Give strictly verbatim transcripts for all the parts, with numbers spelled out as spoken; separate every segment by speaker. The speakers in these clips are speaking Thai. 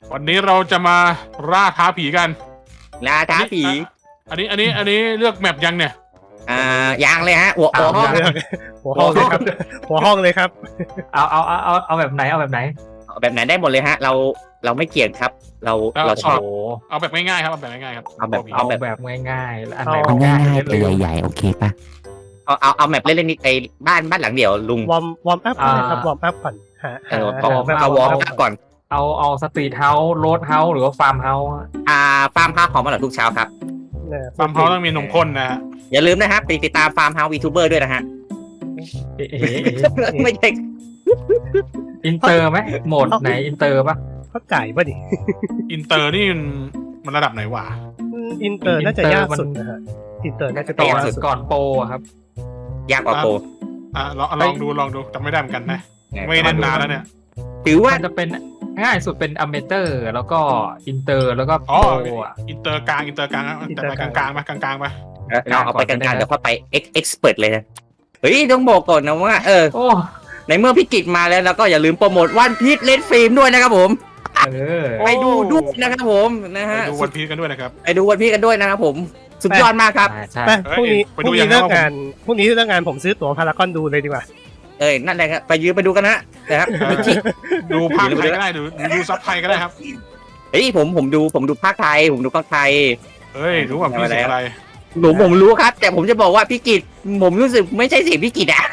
Speaker 1: วันนี้เราจะมาล่าท้าผีกัน
Speaker 2: ล่าท้าผี
Speaker 1: อันนี้อันนี้อันนี้เลือกแมปยังเนี่ย
Speaker 2: อ่ายังเลยฮะหัวหัวห้อง
Speaker 3: หัวห้องเลยครับหัวห้องเลยครับ
Speaker 4: เอาเอาเอาเอาเอาแบบไหนเอาแบบไหน
Speaker 2: แบบไหนได้หมดเลยฮะ เราเราไม่เกี่ยงครับ เราเราชอบ
Speaker 4: โอ้
Speaker 1: เอาแบบง่ายๆครับเอาแบบง่ายๆครับ
Speaker 2: เอาแบบ
Speaker 4: เอาแบบง่ายๆแล้วอันไหน
Speaker 3: เอา
Speaker 4: ง่าย
Speaker 5: ง่าย
Speaker 4: ๆ
Speaker 5: ๆไปใหญ่ๆโอเคปะ
Speaker 2: เอาเอาเอาแบบเล่นๆนี่ไอ้บ้านบ้านหลังเดียวลุง
Speaker 3: วอร์มวอร์มอัพก่อนนะครับวอร์มอัพก่อนหา
Speaker 2: เออ
Speaker 3: หา
Speaker 2: เอา
Speaker 3: แบบ
Speaker 2: เอาวอร์มอัพก่อน
Speaker 4: เอาเอาสตรีทเฮาส์โรดเฮาส์หรือว่าฟาร์มเฮาส์
Speaker 2: อ่าฟาร์มเฮาส์ของมาหลังทุกเช้าครับ
Speaker 3: เนี่ย
Speaker 1: ฟาร์มเฮาส์ต้องมีนมข้นนะฮะ
Speaker 2: อย่าลืมนะครับไปติดตามฟาร์มเฮาส์วีทูเบอร์ด้วยนะฮะ
Speaker 4: เอ๊ะ
Speaker 2: ไม่ใช่
Speaker 4: อินเตอร์ไหมโหมดไหนอินเตอร์ปะ
Speaker 3: เขาจ่ายป่ะดิ
Speaker 1: อินเตอร์นี่มันมันระดับไหนวะ
Speaker 3: อืมอินเตอร์น่าจะยากสุดนะฮะอินเตอร์น่าจะ
Speaker 4: ก่
Speaker 3: ยา
Speaker 4: อก น
Speaker 3: สุด
Speaker 4: ก่อนโปรอะครับ
Speaker 2: ยากกว่าโปร
Speaker 1: อ่ะลองลองดูลองดูจำไม่ได้เหมือนกันนะไม่เล่นนานแล้วเนี่ย
Speaker 2: ถือว่า
Speaker 4: มันจะเป็นง่ายสุดเป็นอเมเตอร์แล้วก็อินเตอร์แล้วก็
Speaker 1: อ๋อ
Speaker 4: โปรอะ
Speaker 1: อินเตอร์กลางอินเตอร์กลางนะแต่ไปกลางๆมากลางๆมา
Speaker 2: เราเอาไปกลางๆเดี๋ยวค่อยไปเอ็กเอ็กซ์เพิร์เลยนะเฮ้ยต้องบอกก่อนนะว่าเออ
Speaker 4: โอ้
Speaker 2: ในเมื่อพี่กิจมาแล้วแล้วก็อย่าลืมโปรโมทวันพีชเลดฟิล์มด้วยนะครับผม
Speaker 4: เออ
Speaker 2: ไปดูด้วยนะครับผมนะ
Speaker 1: ไป
Speaker 2: ฮะ
Speaker 1: ดูวันพีชกันด้วยนะครับ
Speaker 2: ไปดูวันพีชกันด้วยนะครับผมสุดยอดมากครับ
Speaker 4: ใช่
Speaker 3: ไปพรุ่งนี้
Speaker 1: ไป
Speaker 3: พ
Speaker 1: ดู
Speaker 3: รุ่ง
Speaker 1: ยั
Speaker 3: นี้
Speaker 1: งไง
Speaker 3: เลิก
Speaker 1: วะผม
Speaker 3: งานพรุ่งนี้เลิกงานผมซื้อตั๋วพารากอนดูเลยดีกว่า
Speaker 2: เอ้ยนั่นแหละครับไปยืนไปดูกันนะนะครับ
Speaker 1: เออดูภาคไทยก็ได้ดูดูซับไทยก็ได้ครับ
Speaker 2: เฮ้ยผมผมดูผมดูภาคไทยผมดูภาคไทย
Speaker 1: เฮ้ยรู้ว่าพี่เสียงอะไร
Speaker 2: ผมผมรู้ครับ แต่ผมจะบอกว่าพี่กิจผมรู้สึกไม่ใช่เสียงพี่กิจอะ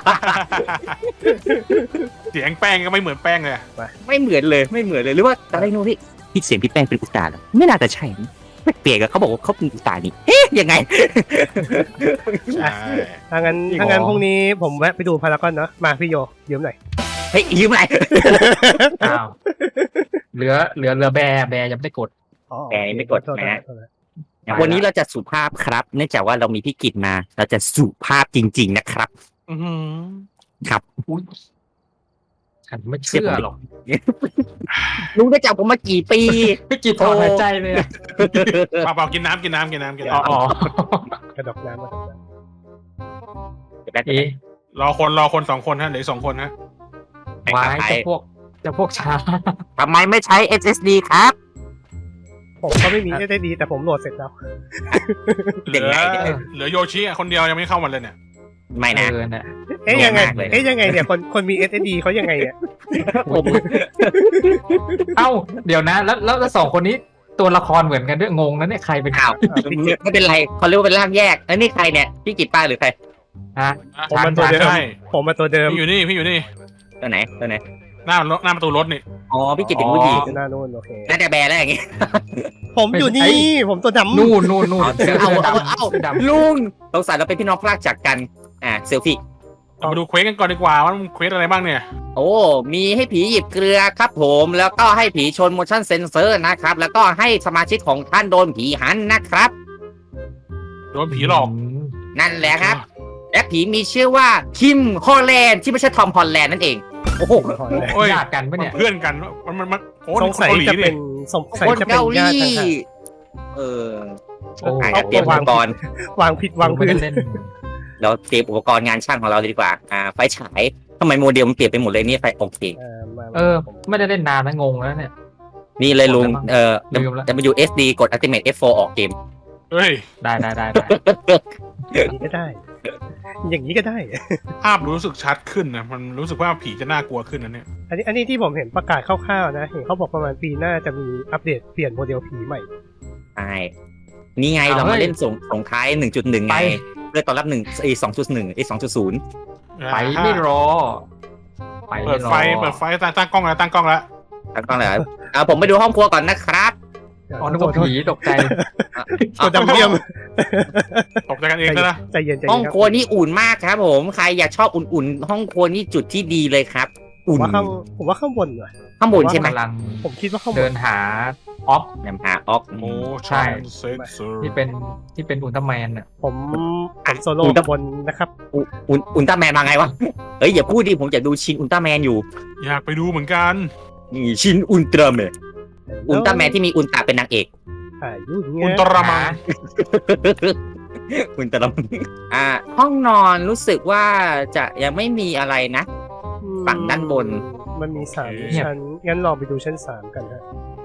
Speaker 1: เสียงแป้งก็ไม่เหมือนแป้งเลยอะ
Speaker 2: ไม่เหมือนเลยไม่เหมือนเลยหรือว่าอะไรโน้พี่พี่เสียงพี่แป้งเป็นอุตส่าห์เหรอไม่น่าจะใช่เปลี่ยนกับเขาบอกว่าเขาเป็นอุตส่าห์นี่เอ๊ะยังไง
Speaker 1: ใช่
Speaker 3: ถ้างั้นถ้างั้นพรุ่งนี้ผมแวะไปดูพารากอนเนาะมาพี่โยยืมหน่อย
Speaker 2: เฮ้ยยืมอะไร
Speaker 4: อ้าวเหลือเหลือเหลือแบร์แบร์ยังไม่ได้กด
Speaker 3: อ๋อ
Speaker 2: แหมนี่ไม่กด
Speaker 3: โทษ
Speaker 2: นะ
Speaker 3: โทษโทษ
Speaker 2: วันนี้เราจะสุภาพครับ เนื่องจากว่าเรามีพี่กิจมา เราจะสุภาพจริง ๆ นะครับ
Speaker 1: อื้อหือ
Speaker 2: ครับ
Speaker 4: อุ้ยฉันไม่เชื่อหรอก
Speaker 2: ลุงได้จับผมมากี่ปี
Speaker 4: ไม่กี่ถอนหายใจเลยอะ
Speaker 1: เปล่าๆกินน้ำกินน้ำกินน้ำกิน
Speaker 4: อ๋อ
Speaker 1: น้ำ
Speaker 4: อ๋อก
Speaker 3: ระดกน้ำกระดกน้
Speaker 4: เอ๊ะ
Speaker 1: รอคนรอคนสองคนฮะเหลืออกสองคนฮะ
Speaker 4: วายจะพวกจะพวกช้า
Speaker 2: ทำไมไม่ใช้ เอส เอส ดี ครับ
Speaker 3: ำผมก็ไม่มีได้ดีแต่ผมโหลดเสร็จแล้ว
Speaker 1: เหลื
Speaker 2: เด็ก
Speaker 1: อ
Speaker 2: ไหนเนี่ย
Speaker 1: เหลือโยชิอะคนเดียวยังไม่เข้ามาเลยเนี่ย
Speaker 2: ไม่
Speaker 4: เอ
Speaker 2: นะ
Speaker 4: อน่ะ
Speaker 3: เอ๊ยยังไง
Speaker 2: มากเลย
Speaker 3: เอ๊ยยังไงเนี่ยคนคนมี เอส เอส ดี เขายังไงเนี่ย
Speaker 2: ผม
Speaker 4: เอ้าเดี๋ยวนะ แล้วแล้วแล้วสองคนนี้ตัวละครเหมือนกันด้วยงงนะเนี่ยใครเป็น
Speaker 2: อ้าวไม่เป็นไรเขาเรียกว่าเป็นร่างแยกแล้วนี่ใครเนี่ยพี่กิจป้าหรือใคร
Speaker 4: ฮะ
Speaker 3: ผมมาตัวเดิม
Speaker 1: ใช่
Speaker 3: ผมมาตัวเดิม
Speaker 1: พี่อยู่นี่พี่อยู่นี่
Speaker 2: ตัวไหนตัวไหน
Speaker 1: หน้ารถหน้าประตูรถนี่
Speaker 2: อ๋อพี่กิจเป็นผู้หญิง
Speaker 3: หน้านู่นโอเค
Speaker 2: น่าจะแบร์แล้วอย่างงี้
Speaker 3: ผมอยู่นี่ผมตัวดำ
Speaker 4: นู่นนู่นนู่น
Speaker 2: เอา
Speaker 4: เสื้อ
Speaker 2: เอา
Speaker 4: เสื้อ
Speaker 2: เอา
Speaker 4: ดำ
Speaker 2: เอา
Speaker 4: เสื้อดำ
Speaker 2: ลุงสงสัยเราเป็นพี่น้องพลากจากกัน อ่าเซลฟี่
Speaker 1: เรามาดูเควสกันก่อนดีกว่าว่ามันเควสอะไรบ้างเนี่ย
Speaker 2: โอ้ มีให้ผีหยิบเกลือครับผม แล้วก็ให้ผีชน motion sensor นะครับ แล้วก็ให้สมาชิกของท่านโดนผีหันนะครับ
Speaker 1: โดนผีหลอก
Speaker 4: ม
Speaker 2: นั่นแหละครับ และผีมีชื่อว่าคิมฮอลแลนด์ที่ไม่ใช่ทอมฮอลแลนด์นั่นเอง โอ้โห
Speaker 1: โอ้ย
Speaker 4: ญาติกันปะเนี่ย
Speaker 1: เพื่อนกันมันมันมันโอ้
Speaker 3: สงสัย
Speaker 1: คนเกาหลี
Speaker 3: จะ
Speaker 1: นี่
Speaker 3: เป็นสงสัย
Speaker 2: คน
Speaker 3: จะเป็น
Speaker 2: เกาห
Speaker 3: ญา
Speaker 2: ลี
Speaker 3: ติกัน
Speaker 2: เออ
Speaker 4: โอ้
Speaker 2: อ่ะเตรียมอุปกรณ์
Speaker 3: วางผิดวาง
Speaker 4: ไม่
Speaker 3: พื้น
Speaker 4: ได้เล่น
Speaker 2: เราเตรียมอุปกรณ์งานช่างของเราเลยดีกว่า อ่า ไฟฉายทำไมโมเดลมันเปลี่ยนไปหมดเลยเนี่ยไฟโอเค
Speaker 3: เออมา
Speaker 4: เออ ไม่ได้เล่นนานนะงงแล้วเนี่ย
Speaker 2: นี่เลยลุง เอ่อ
Speaker 4: ลืมละ
Speaker 2: ดับเบิลยู เอส ดี กด Ultimate เอฟ โฟร์ ออกเกม
Speaker 1: เฮ้ย
Speaker 4: ได้ได้ได้ได้
Speaker 3: อย่างนี้ก็ได้ อย่างนี้ก็ได้
Speaker 1: ภาพรู้สึกชัดขึ้นนะมันรู้สึกว่าผีจะน่ากลัวขึ้นนะเนี่ย
Speaker 3: อันนี้อันนี้ที่ผมเห็นประกาศคร่าวๆนะเห็นเขาบอกประมาณปีหน้าจะมีอัปเดตเปลี่ยนโมเดลผีใหม่
Speaker 2: ใช่ นี่ไงเรามาเล่นส่งส่งท้าย หนึ่งจุดหนึ่ง ไง เพื่อตอนรับหนึ่งไอ้สองจุดหนึ่งไอ้สองจุดศูนย์
Speaker 4: ไปไม่รอ ไป
Speaker 1: เปิ
Speaker 4: ไม่
Speaker 1: ด
Speaker 4: รอ
Speaker 1: ไฟเปิดไฟตั้งตั้งกล้องแล้วตั้งกล้องแล้ว
Speaker 2: ตั้งกล้องเลยอ่าผมไปดูห้องครัวก่อนนะครับ
Speaker 4: อ๋อนึกว่าผีตกใจ
Speaker 3: ตัวดำเยี่ยม
Speaker 1: ตกใจกันเองซะนะ
Speaker 3: ใจเย็นใจ
Speaker 2: ห้
Speaker 3: เย็
Speaker 2: อง
Speaker 3: นครับ
Speaker 2: ครัวนี่อุ่นมากครับผม ใครอยากชอบอุ่นๆ ห้องครัวนี่จุดที่ดีเลยครับ
Speaker 3: ผม
Speaker 2: อุ่น
Speaker 3: ว่าข้างผมว่าข้างบนว่ะ
Speaker 2: ข้างบนใช่ไหม
Speaker 4: กำลัง
Speaker 3: ผมคิดว่าข้างบ
Speaker 4: เดิ
Speaker 3: น
Speaker 4: นหาออฟ
Speaker 2: นำหาออก
Speaker 1: โอ้
Speaker 4: ใช่
Speaker 1: ใช่เซนเซอร์
Speaker 4: ที่เป็นที่เป็นอุลตร้าแมนอ่ะ
Speaker 3: ผมผมโซโล่บนนะครับ
Speaker 2: อุอุลอุลตร้าแมนมาไงวะ เอ้ยอย่าพูดดิผมอยากดูชินอุลตร้าแมนอยู่
Speaker 1: อยากไปดูเหมือนกัน
Speaker 2: นี่ชินอุลตร้าแมน อุลตร้าแมนที่มีอุลตร้าเป็นนางเอก
Speaker 3: อ่ายุ่ง
Speaker 1: อุ
Speaker 3: เงี้
Speaker 1: ล
Speaker 3: ย
Speaker 1: ตร้าแมน
Speaker 2: อุลตร้าแมนอ่า ห้องนอนรู้สึกว่าจะยังไม่มีอะไรนะ ฝั่งด้านบน
Speaker 3: มันมีสามชั้นงั้นลองไปดูชั้นสามกันฮะ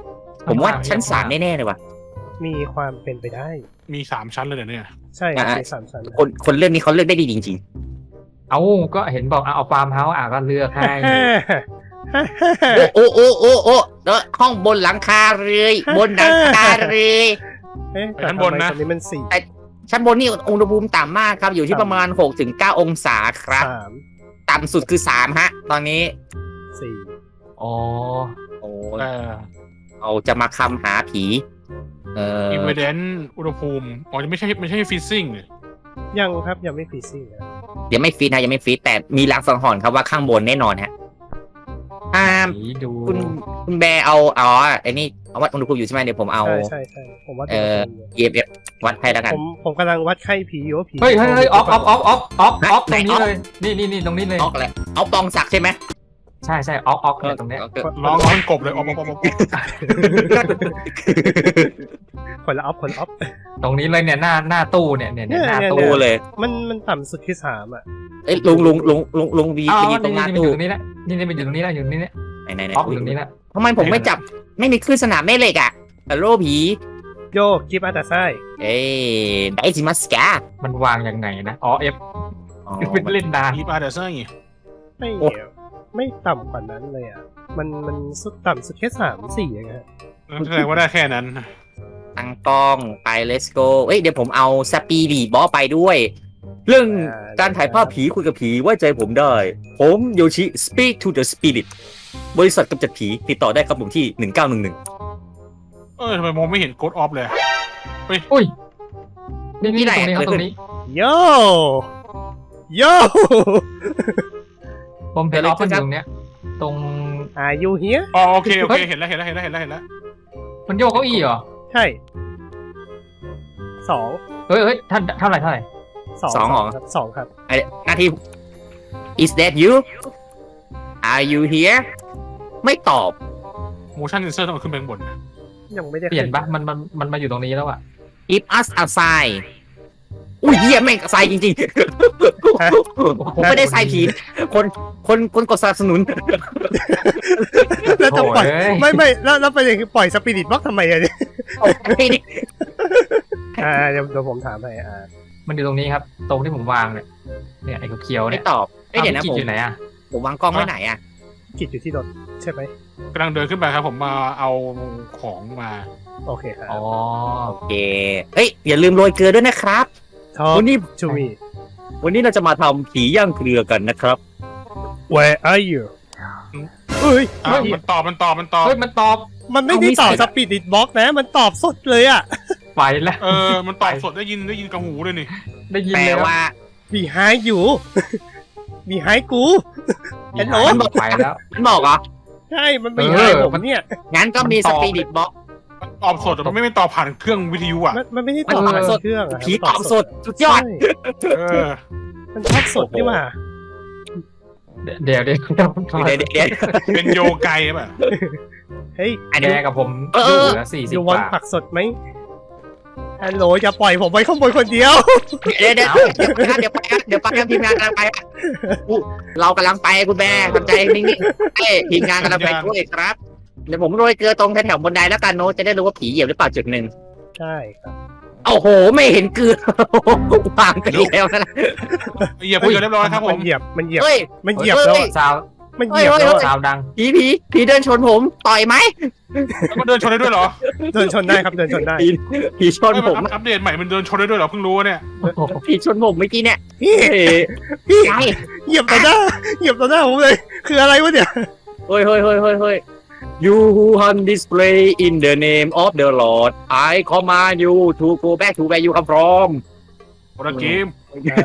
Speaker 2: ผมว่าชั้นสามแน่ๆเลยว่ะ
Speaker 3: มีความเป็นไปได้
Speaker 1: มีสามชั้นเลยเดี๋ยวนี้
Speaker 3: ใช่ครับ
Speaker 2: อ่ะ
Speaker 3: มีสามชั้น
Speaker 2: คนคนเรื่องนี้เขาเลือกได้ดีจริง
Speaker 4: เอาก็เห็นบอกเอาฟาร์มเฮาส์อ่ะก็เลือกให้
Speaker 2: ๆ โอ้โอ้โอ้โอ้โอ้แล้วห้องบนหลังคาเลยบนหลังคาเลย
Speaker 3: เอ๊ะแต่ทำไมตอนนี้มันสี่
Speaker 2: ชั้นบนนี่อุณหภูมิต่ำมากครับ อยู่ที่ประมาณหกถึงเก้าองศาครับ
Speaker 3: สาม
Speaker 2: ต่ำสุดคือสามฮะ ตอนนี้
Speaker 3: สี่
Speaker 4: อ๋อ
Speaker 2: โอ้
Speaker 1: เออ
Speaker 2: เราจะมาคำหาผี เอ่อ
Speaker 1: อินเวเดนอุณหภูมิอ๋อไม่ใช่ไม่ใช่ฟิซซิ่ง
Speaker 3: ยังครับยังไม่ฟีซี่นะ
Speaker 2: ยังไม่ฟีดนะยังไม่ฟีดแต่มีลางสังหรณ์ครับว่าข้างบนแน่นอนฮะอ่า
Speaker 4: ผีดู
Speaker 2: คุณคุณแบร์เอาอ๋อไอ้นี่เอาวัดอุณหภูมิอยู่ใช่ไหมเดี๋ยวผมเอา
Speaker 3: ใช่ใช่ใช่ผมว่า
Speaker 2: เอ่อ เอฟเอฟวัดให้แล้วกัน
Speaker 3: ผมผมกำลังวัดไข้ผีอยู่ว่าผี
Speaker 4: เฮ้ยเฮ้ยเฮ้ยออฟออฟออฟออฟออฟออฟต
Speaker 2: ไหน
Speaker 4: รงนี้
Speaker 2: ออฟ
Speaker 4: เลยนี่นี่นี่ตรงนี้เลย
Speaker 2: ออกเลยเอาปองศักดิ์ใช่ไหม
Speaker 4: ใช่ใช่ออฟออฟเนี่ยตรงเนี้ย
Speaker 1: ร้องร้องกบเลยออกมาออกมา
Speaker 3: คนละออฟคนละออฟ
Speaker 4: ตรงนี้เลยเนี่ยหน้าหน้าตู้เนี่ยเนี่ยเนี่ยหน้า
Speaker 3: เนี่ย
Speaker 4: ตู้
Speaker 2: ตู้เลย
Speaker 3: มันมันต่ำสุดที่สามอ่ะ
Speaker 2: เอ้ยลุงลุงลุงลุงลุงวี
Speaker 4: อ๋อ
Speaker 2: ไปยืนตร
Speaker 4: นี่
Speaker 2: งหน้า
Speaker 4: นี่มันอ
Speaker 2: ตู้
Speaker 4: ยู่ตรงนี้แหละนี่นี่มันอยู่ตรงนี้แหละอยู่ตรงนี้เนี่ย
Speaker 2: ไหนไหนไหน
Speaker 4: ออฟอยู่ตรงนี้แหละ
Speaker 2: ทำไมผมไม่จับไม่มีคลื่นสนามแม่เหล็กอ่ะฮัลโหลผี
Speaker 3: โยกิฟอาตาไซ
Speaker 2: เอ้ยไดซิมัสกา
Speaker 4: มันวางยังไงนะอ๋อเอฟ
Speaker 2: อ๋อ
Speaker 4: เป็นเล่นนาน
Speaker 1: อีปาเดอร์เซอร์
Speaker 3: ไม่ไม่ต่ำกว่านั้นเลยอ่ะ มันมันสุดต่ำสุดแค่สามสี่เองฮะ
Speaker 1: แสดงว่าได้แค่นั้น
Speaker 2: ตั้งกล้องไป let's go เอ้ยเดี๋ยวผมเอาสปีดีบอสไปด้วย เรื่องการถ่ายภาพผีคุยกับผีไว้ใจผมได้ ผมโยชิ speak to the spirit บริษัทกำจัดผีติดต่อได้ครับผมที่หนึ่งเก้าหนึ่งหนึ่ง
Speaker 1: เออทำไมมองไม่เห็นโกดออฟเลย
Speaker 4: อุ้ยนี่นี่ตรงนี้ครับตรงนี้
Speaker 3: โยโย
Speaker 4: ผมเห็นออฟมันอยู่ตรงเนี้ยตรง
Speaker 3: อายุเฮีย
Speaker 1: อ๋อโอเคโอเคเห็นแล้วเห็นแล้วเห็นแล้วเห็นแล้วเห็นแล้ว
Speaker 4: มันโยกเก้าอี้เหรอ
Speaker 3: ใช่สอง
Speaker 4: เฮ้ยเฮ้ยท่านเท่าไหร่เท่าไหร่
Speaker 3: สอง
Speaker 2: สองเหรอ
Speaker 3: ครับสองครับ
Speaker 2: ไอ้หน้าที่ is that you are you here ไม่ตอบ
Speaker 1: motion sensor ต้องเอาขึ้นไปข้างบน
Speaker 3: ยังไม่ได้
Speaker 4: เปลี่ยนปะมันมันมันมาอยู่ตรงนี้แล้วอะ
Speaker 2: give us a sign อุ้ยเหี้ยแม่งใส่จริงๆ ผมไม่ได้ใส่ผีคนคนคนกดสนับสนุน
Speaker 3: แล้วจะปล่อย
Speaker 4: โถ่เอ้ย
Speaker 3: ไม่ไม่แล้วแล้วประเด็นคือปล่อยสปิริตบล็อกทำไมอะเนี่ยอ่าเดี๋ยวเดี๋ยวผมถามให้อ่า
Speaker 4: มันอยู่ตรงนี้ครับ ตรงที่ผมวางเนี่ยเนี่ยไอ้เขียวๆ
Speaker 2: ไม่
Speaker 4: เนี่ย
Speaker 2: ตอบเอ้ยเดี๋ยวนะ
Speaker 4: อา
Speaker 2: ผม
Speaker 4: อยู่ไหนอะ
Speaker 2: ผมวางกล้องไว้ไหนอะ
Speaker 3: กิจอยู่ที่รถใช่ไหม
Speaker 1: กำลังเดินขึ้นไปครับผมมาเอาของมา
Speaker 3: โอเคครับ
Speaker 4: อ๋อ
Speaker 2: โอเคเอ้ยอย่าลืมโรยเกลือด้วยนะครับ
Speaker 3: ทอ
Speaker 2: วันนี้
Speaker 3: ชูมี
Speaker 2: วันนี้เราจะมาทำผีย่างเกลือกันนะครับ
Speaker 3: Where are you เอ้ย
Speaker 1: อ่ะมันตอบมันตอบมันตอบ
Speaker 4: เฮ้ยมันตอบ
Speaker 3: มันไม่ได้ตอบสปิริตบล็อกนะ มันตอบสดเลยอ่ะ
Speaker 4: ไปแล้ว
Speaker 1: เออมันตอบสดได้ยินได้ยินกับหูเลยนี่
Speaker 4: ได้ยิน
Speaker 2: แปล
Speaker 4: เลย
Speaker 2: ว่า
Speaker 3: behind you behind กู
Speaker 4: มี
Speaker 3: ฮัลโหล
Speaker 4: หายมันไปแล้ว
Speaker 2: มันบอกเหรอ
Speaker 3: ใช่ มัน
Speaker 4: เอ
Speaker 3: behind
Speaker 4: อ
Speaker 3: ผม
Speaker 4: มัน
Speaker 3: เนี่ย
Speaker 2: งั้นก็มี
Speaker 4: มัน
Speaker 2: ส
Speaker 4: ตอบ
Speaker 2: ปิริตบ็อก
Speaker 1: ตอบสดแต่มันไม่ไม่ตอบผ่านเครื่องวิทยุอ่ะ
Speaker 3: มันมันไม่ได้ตอบ
Speaker 2: มันตอบ
Speaker 3: ผ่าน
Speaker 2: สด
Speaker 3: เครื่องอะ
Speaker 2: ผีตอบสดสุดยอด
Speaker 3: ใช่
Speaker 1: เออ
Speaker 3: มันตอบสดนี่หว่า
Speaker 4: เดี๋ยวเดี๋ยวเดี๋ยว
Speaker 2: เดี๋ยวเดี๋ยวเดี๋ยว
Speaker 1: เป็นโยไกป่ะ
Speaker 3: เฮ้ย
Speaker 2: อัน
Speaker 4: แก
Speaker 2: นี้
Speaker 4: กับผม
Speaker 2: เออ
Speaker 4: อ
Speaker 2: เออ
Speaker 4: ยู่เหลือสี่สิบ
Speaker 3: ยู
Speaker 4: ก
Speaker 3: วอน
Speaker 4: ว่า
Speaker 3: ผักสดไหมฮัลโหลอย่าปล่อยผมไว้ข้างบนคนเดียว
Speaker 2: เดี๋ยวเดี๋ยวเดี๋ยวไปครับเดี๋ยวไปครับทีมงานกำลังไปครับอู้เรากำลังไปคุณแม่ทำใจนิ่งๆเอ้ยทีมงานกำลังไปด้วยครับ เดี๋ยวผมโรยเกลือตรงแถวๆบนไดแล้วกันโน้ตจะได้รู้ว่าผีเหยียบหรือเปล่าจุดหนึ่ง
Speaker 3: ใช่ครับ
Speaker 2: โอ้โห ไม่เห็นเกลือวางไปแล้วนะ
Speaker 1: เหยียบไปเรียบร้อยครับผ
Speaker 3: มั
Speaker 1: ม
Speaker 3: นเหยียบมันเหยียบ
Speaker 2: เฮ้ย
Speaker 3: มันเหยียบแล้ว
Speaker 2: เฮ้ย
Speaker 3: อะ
Speaker 4: ซาว
Speaker 3: มันเหยียบแล้วอะ
Speaker 4: ซาวดัง
Speaker 2: ผีผีผีเดินชนผมต่อยไหม
Speaker 1: แล้วมันเดินชนได้ด้วยเหรอ
Speaker 3: เดินชนได้ครับเดินชนได้
Speaker 2: ผีผีชน
Speaker 1: เอ้ย
Speaker 2: ผ
Speaker 1: มัน
Speaker 2: ม
Speaker 1: อัปเดตใหม่มันเดินชนได้ด้วยเหรอเพิ่งรู้เนี่ย
Speaker 2: ผีชนผมเมื่อกี้เนี่ย
Speaker 3: พี่
Speaker 2: เฮ้ย
Speaker 3: พี่
Speaker 2: ไง
Speaker 3: เหยียบต่อหน้าเหยียบต่อหน้าผมเลย คืออะไรวะเนี่ย
Speaker 2: เฮ้ยเฮ้ยเฮ้ยเฮ้ยเฮ้ย You who hunt display in the name of the Lord I command you to go back to where you come from
Speaker 1: โปรเกม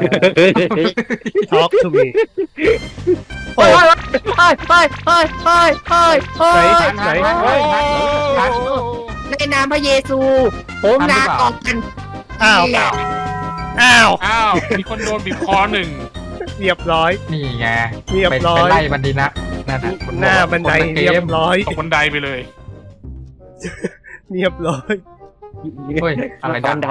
Speaker 3: Talk to me
Speaker 2: เฮ้ยเฮ้ยเฮ้ยเฮ้ยเฮ้ยเฮ้ยเฮ้ยเฮ้ย
Speaker 3: ไหน
Speaker 1: โอ้
Speaker 2: ในนามพระเยซู ผมนาตอบกัน
Speaker 3: อ้าวอ้าว
Speaker 1: อ้าวมีคนโดนบีบคอหนึ่ง
Speaker 3: เรียบร้อย
Speaker 4: นี่ไง
Speaker 3: เรียบ
Speaker 4: ไป
Speaker 3: ร้อ
Speaker 4: ไป
Speaker 3: ย
Speaker 4: ไล่มันดีนะนั่นน่ะ
Speaker 3: หน้าบันได
Speaker 4: คนละเก
Speaker 3: เรีย
Speaker 4: ม
Speaker 3: บร้อย
Speaker 1: ตกบันไดไปเลย
Speaker 3: เรียบร้อย
Speaker 4: เฮ้ยอะไร
Speaker 2: ต
Speaker 4: ดั
Speaker 2: อง นใด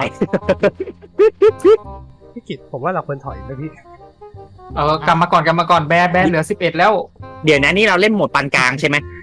Speaker 3: พี่กิตผมว่าเราควรถอยนะพี่
Speaker 4: เออกลับมาก่อนกลับมาก่อนแบร์แบร์เหลือสิบเอ็ดแล้ว
Speaker 2: เดี๋ยวนะนี่เราเล่นโหมดปานกลางใช่ไหม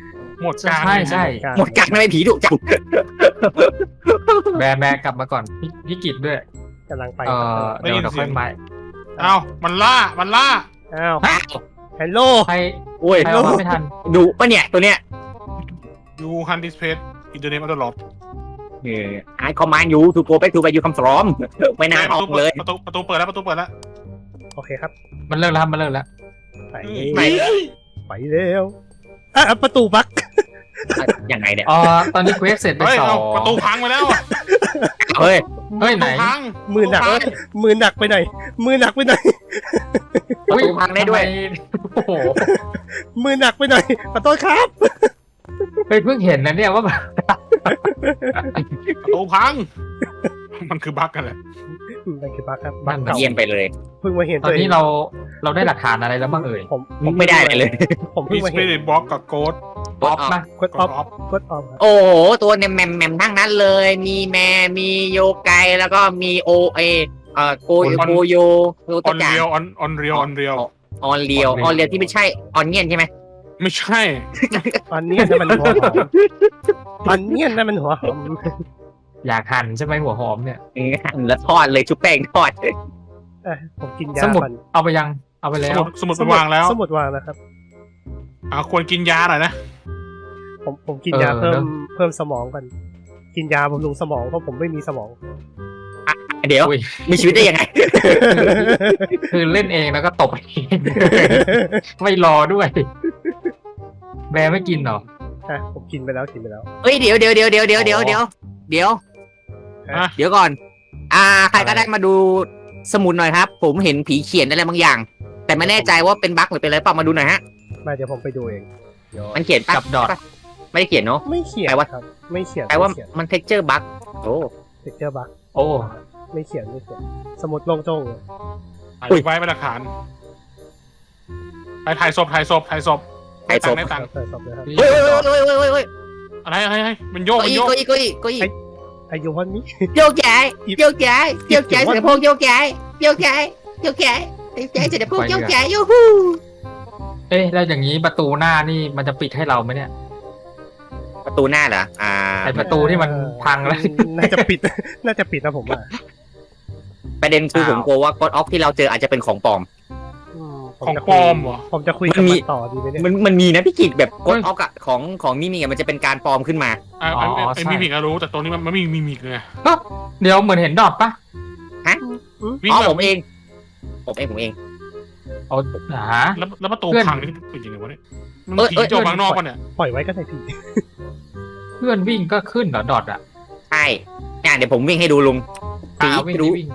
Speaker 1: หมดการ
Speaker 4: ใช่ใช่
Speaker 2: หมดการทำไมผีดุจัง
Speaker 4: แบร์แบร์กลับมาก่อนพี่พี่กิจด้วย
Speaker 3: กำลังไป
Speaker 4: เออเดี๋ยวเดี๋ยวค่อยมา
Speaker 1: เอ้ามันล่ามันล่า
Speaker 3: อ้าว
Speaker 2: อ้าว
Speaker 3: ฮัลโหล
Speaker 4: ใคร
Speaker 2: โอ้ย
Speaker 4: ใครเอามาไม่ทัน
Speaker 2: ดุปะเนี่ยตัวเนี้ย
Speaker 1: ยูฮันดิสเพสอินเทอร์เน็ตอัลลอด
Speaker 2: ไอ้คอมมานด์ยูทูโกไปทูไปยูคัมฟรอมไม่น่าออกเลย
Speaker 1: ประตูประตูเปิดแล้วประตูเปิดแล้ว
Speaker 3: โอเคครับ
Speaker 4: มันเลิกแล้วครับมันเลิกแล้ว
Speaker 3: ไป
Speaker 2: ไหน
Speaker 3: ไปเร็วอ่ะประตูบั๊ก
Speaker 2: ยังไงเนี่ย
Speaker 4: อ๋อตอนนี้เควสเสร็จไป
Speaker 1: เฮ้ย
Speaker 4: สอ
Speaker 1: เอา
Speaker 4: ง
Speaker 1: ประตูพังไปแล้ว
Speaker 2: เฮ้ย
Speaker 4: เฮ้ยไหน
Speaker 1: ประตูพัง
Speaker 3: มือหนัก
Speaker 1: ประตูพัง
Speaker 3: มือหนักไปหน่อยมือหนักไปหน่อย
Speaker 2: ประตูพังได้ด้วย
Speaker 4: ทำมโอ้โห
Speaker 3: มือหนักไปหน่อยขอโทษครับ
Speaker 4: เฮ้ยเพิ่งเห็นนะเนี่ยว่าแบบ
Speaker 1: ประตูพัง มันคือบั๊กกันแหละ
Speaker 3: นั่นคือบั๊กครับบั๊กเก่า
Speaker 2: เยี่ยมไปเลย
Speaker 3: เพิ่งมาเห็น
Speaker 4: ตอนนี้เราเราได้หลักฐานอะไรแล้วบ้างเอ่ย
Speaker 3: ผม
Speaker 2: ผมไม่ได้อะไรเลย
Speaker 3: ผมเพิ่
Speaker 1: มี
Speaker 3: ง
Speaker 1: ส
Speaker 3: มา
Speaker 1: ปิ
Speaker 3: เห็น
Speaker 1: ริตบล็อกกับโกด
Speaker 2: ออฟมา
Speaker 3: กดออฟ
Speaker 1: ออฟ
Speaker 3: กดออฟครับ
Speaker 2: โอ้โหตัวเนี่ยแมมแมมทั้งนั้นเลย มีแมมีโยไกแล้วก็มีโอเอเอ่อโกโยโกโยโย
Speaker 1: อ
Speaker 2: ตะ
Speaker 1: อน
Speaker 2: จา
Speaker 1: เรียวออนออนเรียวออนเรียว
Speaker 2: ออนเรียวออนเรียวที่ไม่ใช่ออนเงียนใช่ไหม
Speaker 1: ไม่ใช่
Speaker 3: อันเนี้ยนั่นมันหัวหอมอันเนี้ยนั่นมันหัวหอม
Speaker 4: อยากหั่นใช่ไหมหัวหอมเนี่ย
Speaker 2: หั่นแล้วทอดเลยชุบแป้งทอด
Speaker 3: เอ้ยผมกินยา
Speaker 4: สมุด
Speaker 3: ก่อน
Speaker 4: เอาไปยังเอาไป
Speaker 1: ส
Speaker 4: แล้ว
Speaker 1: มุดสมุดไปวางแล้ว
Speaker 3: สมุดวางนะครับ
Speaker 1: อ่าควรกินยาหน่อยนะ
Speaker 3: ผมผมกินยาเพิ่มเพิ่มสมองก่อนกินยาบำรุงสมองเพราะผมไม่มีสมอง
Speaker 2: เดี๋ยว
Speaker 4: อุ้ย
Speaker 2: มีชีวิตได้ยังไง
Speaker 4: คือเล่นเองแล้วก็ตบเอง ไม่รอด้วย แบร์ไม่กินเหรอ
Speaker 3: อ่ะผมกินไปแล้วกินไปแล้ว
Speaker 2: เฮ้ยเดี๋ยวเดี๋ยวเดี๋ยวเดี๋ยวเดี๋ยวเดี๋ยวเดี๋ยวเดี๋ยว
Speaker 1: อ่ะ
Speaker 2: เดี๋ยวก่อน อ่า ใครก็ได้มาดูสมุดหน่อยครับ ผมเห็นผีเขียนอะไรบางอย่าง แต่ไม่แน่ใจว่าเป็นบั๊กหรือเป็นอะไรเปล่ามาดูหน่อยฮะ
Speaker 3: มาเดี๋ยวผมไปดูเองเดี๋ยว
Speaker 2: มันเขียนปะ
Speaker 4: กับดอท
Speaker 2: ไม่ได้เขียนเนาะ
Speaker 3: ไม่เขียน
Speaker 2: แปลว่า
Speaker 3: ครับ ไม่เขียน
Speaker 2: แปลว่า
Speaker 3: ไม่เขียน
Speaker 2: มันเท็กเจอร์บั๊กโอ้
Speaker 3: เทคเจอร์บัก
Speaker 4: โอ้
Speaker 3: ไม่เขียนไม่เขียนสมุดโล่งโจ้งเลย
Speaker 1: ถ่ายไว้เป็นหลักฐานไปถ่ายศพถ่ายศพถ่ายศพได้ตังค์ได้ตังค์
Speaker 3: เปิดสอบเลยครับ
Speaker 2: เฮ้ยเฮ้ยเฮ้ยเฮ้ยเฮ้ยเฮ้ย
Speaker 1: อะไรอะไรอะไรมันโยก
Speaker 2: เก้า
Speaker 1: มัน
Speaker 2: อี้
Speaker 1: โยก
Speaker 2: เก้าอี้เก้าอี้เก้าอี้
Speaker 3: อายุวันนี้
Speaker 2: โยกย้ายโยกย้ายโยกย้ายเสด็จพงโยกย้ายโยกย้ายโยกย้ายโยกย้ายเสด็จพงโยกย้ายยูฮู
Speaker 4: เอ๊ะแล้วอย่างนี้ประตูหน้านี่มันจะปิดให้เราไหมเนี่ย
Speaker 2: ประตูหน้าเหรออ่า
Speaker 4: ไอประตูที่มันพังแล้ว
Speaker 3: น่าจะปิด น่าจะปิดนะผมว่า
Speaker 2: ประเด็นคือผมกลัวว่ากดออฟที่เราเจออาจจะเป็นของปลอม
Speaker 3: อืมผ
Speaker 1: ของ
Speaker 3: จะ
Speaker 1: ปลอมเหรอ
Speaker 3: ผมจะคุย
Speaker 2: มั
Speaker 3: กับ
Speaker 2: นมี
Speaker 3: มันต่อดีไหมเนี่ย
Speaker 2: มันมันมีนะพี่กิจแบบก
Speaker 4: เฮ้
Speaker 2: ด
Speaker 4: ย
Speaker 2: ออฟอะของของมิมิอะมันจะเป็นการปลอมขึ้นมา
Speaker 1: อ่า
Speaker 4: อ๋อ
Speaker 1: ไอ้
Speaker 4: ใช่
Speaker 1: มิมิกอะรู้แต่ตรงนี้มันไม่มีมิมิกไง
Speaker 4: เดี๋ยวเหมือนเห็นดอทปะ
Speaker 1: วิ่ง
Speaker 2: อ๋อ
Speaker 1: แบบ
Speaker 2: ผมเอง ผมเองผมเอง
Speaker 4: เอาหา
Speaker 1: แล้วแล้วประตู
Speaker 4: เพื่อน
Speaker 1: พังนี่เป็นยังไงวะเนี่ยมัน
Speaker 2: เอ้ย
Speaker 1: ผี
Speaker 2: เอ้ย
Speaker 1: โจมข้างนอกปะเนี่ย
Speaker 3: ปล่อยไว้ก็ได้พี่
Speaker 4: เพื่อนวิ่งก็ขึ้นเหรอดอทอ่ะ
Speaker 2: ใช่เนี่ยเดี๋ยวผมวิ่งให้ดูลุง
Speaker 4: ตา
Speaker 2: ผี
Speaker 4: วิ่ง
Speaker 2: รู้
Speaker 4: วิ่ง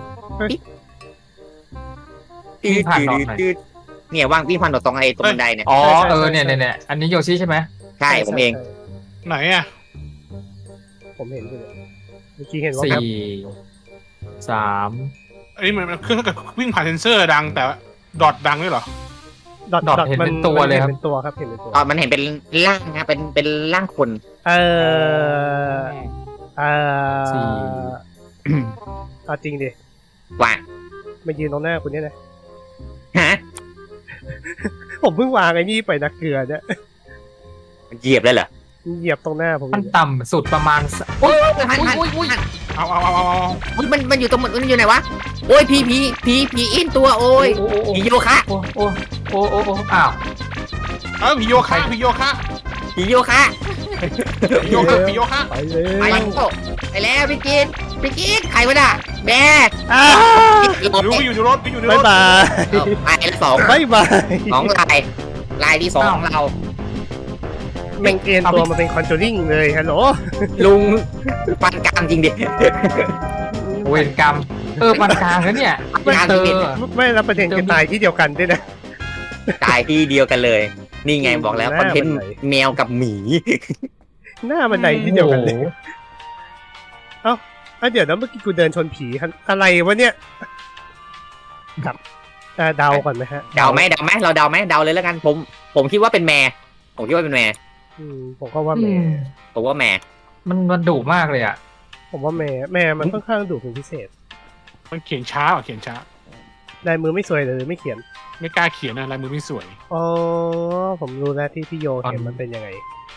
Speaker 2: ตืด
Speaker 4: วิ่งผ่าน
Speaker 2: ตื
Speaker 4: ดอ
Speaker 2: ด
Speaker 4: ทหน่อย
Speaker 2: ตืดเนี่ยว่างวิ่งผ่านดอทตรงไอ้ตรงบันไดเนี่ย
Speaker 4: อ๋อเออเนี่ยเนี่ยเนี่ยอันนี้โยชิใช่ไหม
Speaker 2: ใช่ผมเอง
Speaker 1: ไหนอะ
Speaker 3: ผมเห็นอยู่เลยเมื่อกี้เห็นว่า
Speaker 4: สี่สาม
Speaker 1: อันนี้มันมันเครื่องถ้าเกิดวิ่งผ่านเซนเซอร์ดังแต่ดอทดังด้วยเหรอ
Speaker 3: ดอท
Speaker 4: ดอท
Speaker 3: ดอท
Speaker 4: เห็น
Speaker 3: มั
Speaker 4: เป็นตัวเลยครับ
Speaker 3: เห็นเป็นตัวครับเห็นเป็นตัว
Speaker 2: ตอนมันเห็นเป็นร่างนะเป็นเป็นร่างคน
Speaker 3: เออเออ
Speaker 4: สี่
Speaker 3: เอาจริงดิ
Speaker 2: ว่า
Speaker 3: มายืนตรงหน้าคุณเนี่ยนะ
Speaker 2: ฮะ
Speaker 3: ผมเพิ่งวางไอ้นี่ไปนะเกลือเนี่ย
Speaker 2: เหยียบเลยเหรอ
Speaker 3: เหยียบตรงหน้าผม
Speaker 4: มัน
Speaker 3: อยู่
Speaker 4: ต่ำสุดประมาณส
Speaker 2: โอ้ยหันหันหัน
Speaker 1: เอาเอาเอาเอาเอา
Speaker 2: อุ๊ยมันมันอยู่ตรงมันมันอยู่ไหนวะโอ้ยผีผีผีผีอินตัวโอ้ย
Speaker 4: โอ้โอ้โอ้
Speaker 2: ผีโยคะ
Speaker 4: โอ้โอ้โอ้โอ้โอ้อ้าว
Speaker 1: เออผีโยคะผีโยคะ
Speaker 2: ผีโยคะ
Speaker 1: ผีโยคะผีโยคะ
Speaker 3: ไปเลย
Speaker 2: ไปแล้วไปแล้วพี่กินพี่กินใครวะน่ะแม่
Speaker 3: อ้า
Speaker 1: รู้ว่าอยู่ในรถอยู่ในร
Speaker 3: บาย
Speaker 1: ถ
Speaker 3: บาย
Speaker 2: ไปแล้วสอง
Speaker 3: บายบาย
Speaker 2: สองลายลายที่สองของเรา
Speaker 3: แม่งเอ็นตัวมาเป็นคอนจูริงเลยฮัลโหล
Speaker 2: ลุงปันกลางจริงดิ
Speaker 4: เวรกรรม เออปันกลางแล้วเนี่ย
Speaker 2: ปันกลาง
Speaker 4: เจ
Speaker 2: จริ
Speaker 4: อง
Speaker 3: ไม่รับประเด็นคือตายที่เดียวกันด้วยนะ
Speaker 2: ตายที่เดียวกันเลย นี่ไงบอกแล้วคอนเทนต์แมวกับหมี
Speaker 3: หน้ามันไหนที่เดียวกันเลยอ่ะเดี๋ยวนะเมื่อกี้กูเดินชนผีอะไรวะเนี่ยกับอ่าเดาก่อนไหมฮะ
Speaker 2: เดาไหมเดาไหมเราเดาไหมเดาเลยแล้วกัน ผม ผมคิดว่าเป็นแม่ผมคิดว่าเป็นแม่
Speaker 3: อืมผมก็ว่า
Speaker 4: อื
Speaker 3: แม่
Speaker 4: ม
Speaker 2: ผมว่าแม่
Speaker 4: มันมันดุมากเลยอ่ะ
Speaker 3: ผมว่าแม่แม่มันค่อนข้างดุเป็นพิเศษ
Speaker 1: มันเขียนช้าอ่ะเขียนช้า
Speaker 3: ลายมือไม่สวยเลยไม่เขียน
Speaker 1: ไม่กล้าเขียนนะลายมือไม่สวย
Speaker 3: อ๋อผมรู้แล้วที่พี่โยเห็นมันเป็นยังไง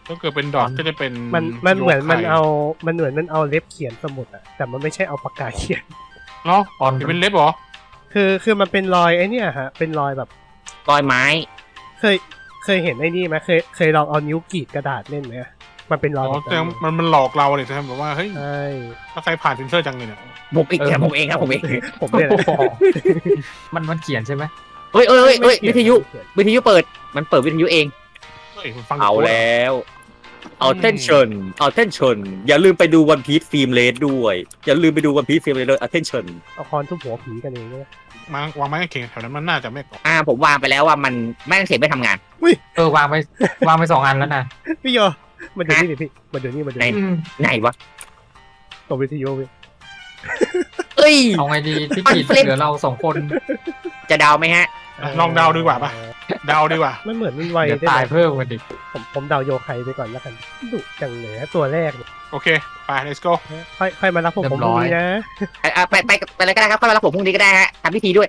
Speaker 1: ก็เกิดเป็นดอทก็จะเป็น
Speaker 3: มันมันเหมือน
Speaker 1: โยไค
Speaker 3: มันเอามันเหมือนมันเอาเล็บเขียนสมุดอะแต่มันไม่ใช่เอาปากกาเขียน
Speaker 1: เนาะ
Speaker 4: ตอน
Speaker 1: เห็นเป็นเล็บเหรอ
Speaker 3: คือคือมันเป็นรอยไอ้เนี่ยฮะเป็นรอยแบบ
Speaker 2: รอยไม้
Speaker 3: เคยเคยเห็นไอ้นี่ไหมเคยเคยลองเอานิ้วกรีดกระดาษเล่นไหมมันเป็นร
Speaker 1: อ๋
Speaker 3: อย
Speaker 1: อ
Speaker 3: แบบ
Speaker 1: แต่
Speaker 3: นั้น
Speaker 1: มันมันหลอกเราเลยใช่ไหมแบบว่าเฮ้ย
Speaker 3: ใช่
Speaker 1: ถ้าใครผ่านเซนเซอร์จังเลยเนี่ย
Speaker 2: ผมเองครับผมเองครับผมเอง
Speaker 3: ผมเนี่ยแหละ
Speaker 4: โอ้โหมันมันเขียนใช่ไหม
Speaker 2: เฮ้ยเอ้ยเอ้ยเอ้ย
Speaker 3: ไม่
Speaker 2: วิ
Speaker 3: เขี
Speaker 2: ท
Speaker 3: น
Speaker 2: ยุ
Speaker 3: ไม่เขีน
Speaker 2: วิทยุเปิด มันเปิดวิทยุเอง
Speaker 1: เฮ้ยมันฟัง
Speaker 2: เอาแล้ว attention attention อย่าลืมไปดูวันพีซฟิล์มเลสด้วย อย่าลืมไปดูวันพีซฟิล์มเลสด้วย attention
Speaker 3: เอาคอนทุบหัวผีกันเองใช่ไหม
Speaker 1: มาวางไม้กางเขนแถวนั้นมันน่าจะไม่ก่อ
Speaker 2: อ่าผมวางไปแล้วว่ามันแม่งเข็มไม่ทำงาน
Speaker 4: เออวางไปวางไปสองอันแล้วนะ
Speaker 3: พี่โยมาดูนี่ดิพี่มาดูนี่มาดู
Speaker 2: ไหน
Speaker 3: นี่
Speaker 4: อืม
Speaker 2: ไหนวะ
Speaker 3: ตัววิทยุพี่
Speaker 2: เอ้ย
Speaker 4: เอาไงดีพี่กิจ
Speaker 2: มันเฟลิป
Speaker 4: เหลือเราสองคน
Speaker 2: จะเดาไหมฮะ
Speaker 1: ลองเดาดีกว่าปะเดาดีกว่า
Speaker 3: มันเหมือนมันไว
Speaker 4: เดี๋ยว
Speaker 3: ได้
Speaker 4: ตาย
Speaker 3: ไหม
Speaker 4: เพิ่มกันดิ
Speaker 3: ผมผมเดาโยไคไปก่อนแล้วกันดุจังเลยฮะตัวแรกเนี่ย
Speaker 1: โอเค ไป let's go
Speaker 3: ค่อยค่อยมารับผมผมพรุ่งนี้นะ
Speaker 2: อ่ะอ่ะไปไปไปเลยก็ได้ครับค่อยมารับผมพรุ่งนี้ก็ได้ฮะทำพิธีด้วย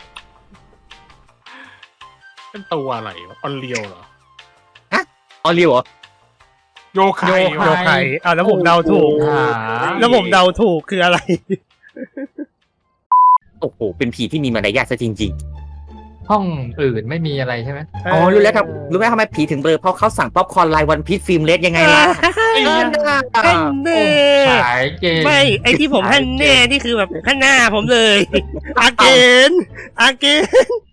Speaker 1: เป็นตัวอะไรวะออนเลียวเหรอ
Speaker 2: ออลิวเหรอ
Speaker 1: โยไค
Speaker 3: โยไคอ้าวแล้วผมเดาถูก
Speaker 4: หา
Speaker 3: แล้วผมเดาถูกคืออะไร
Speaker 2: โอ้โห เป็นผีที่มีมารยาทซะจริง
Speaker 4: ห้องอื่นไม่มีอะไรใช่ไหม
Speaker 2: ๆ อ๋อ รู้แล้วครับ รู้ไหมทำไมผีถึงเบลอเพราะเขาสั่งป๊อปคอร์นลายวันพีซฟิล์มเลสยังไงล่ะ
Speaker 1: ไอ้เหี้ย
Speaker 3: ฮันเน่
Speaker 4: ขายเกม
Speaker 3: ไม่ไอที่ผมฮันเน่นี่คือแบบข้างหน้าผมเลย อาเกนอาเกน